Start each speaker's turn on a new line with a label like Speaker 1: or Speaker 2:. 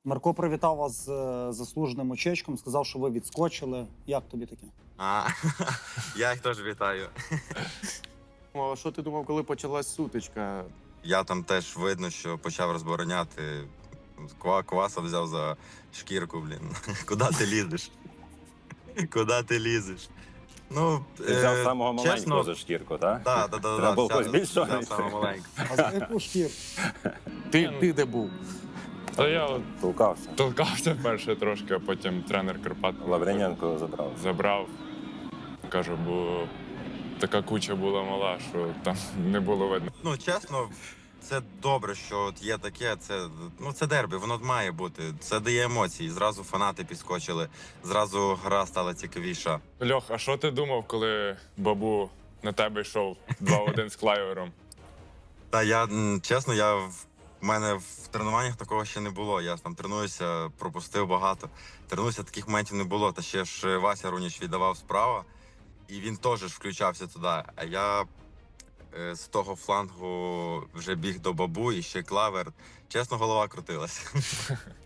Speaker 1: Марко привітав вас з заслуженим очечком, сказав, що ви відскочили. Як тобі таке?
Speaker 2: Я їх теж вітаю.
Speaker 3: А що ти думав, коли почалась сутичка?
Speaker 2: Я там теж видно, що почав розбороняти. Кваса взяв за шкірку, блін. Куди ти лізеш? Куди ти лізеш? Ну,
Speaker 4: Ти взяв самого маленького
Speaker 2: чесно,
Speaker 4: за шкірку, так?
Speaker 2: Да.
Speaker 4: Треба було когось більшого.
Speaker 2: Взяв самого маленького.
Speaker 1: А за яку шкірку?
Speaker 3: Ти де був?
Speaker 5: Та я от
Speaker 4: Толкався.
Speaker 5: толкався перше трошки, а потім тренер Карпат
Speaker 4: Лавриненко забрав.
Speaker 5: забрав. Кажу, бо така куча була мала, що там не було видно.
Speaker 2: Ну, чесно, це добре, що от є таке. Це дербі, воно має бути. Це дає емоції. Зразу фанати підскочили, зразу гра стала цікавіша.
Speaker 5: Льох, а що ти думав, коли Бабу на тебе йшов 2-1 з Клайвером?
Speaker 2: Та чесно, в мене в тренуваннях такого ще не було. Я там тренуюся, пропустив багато. Тренуюся, таких моментів не було. Та ще ж Вася Руніч віддавав справа, і він теж ж включався туди. А я з того флангу вже біг до Бабу і ще Клавер. Чесно, голова крутилася.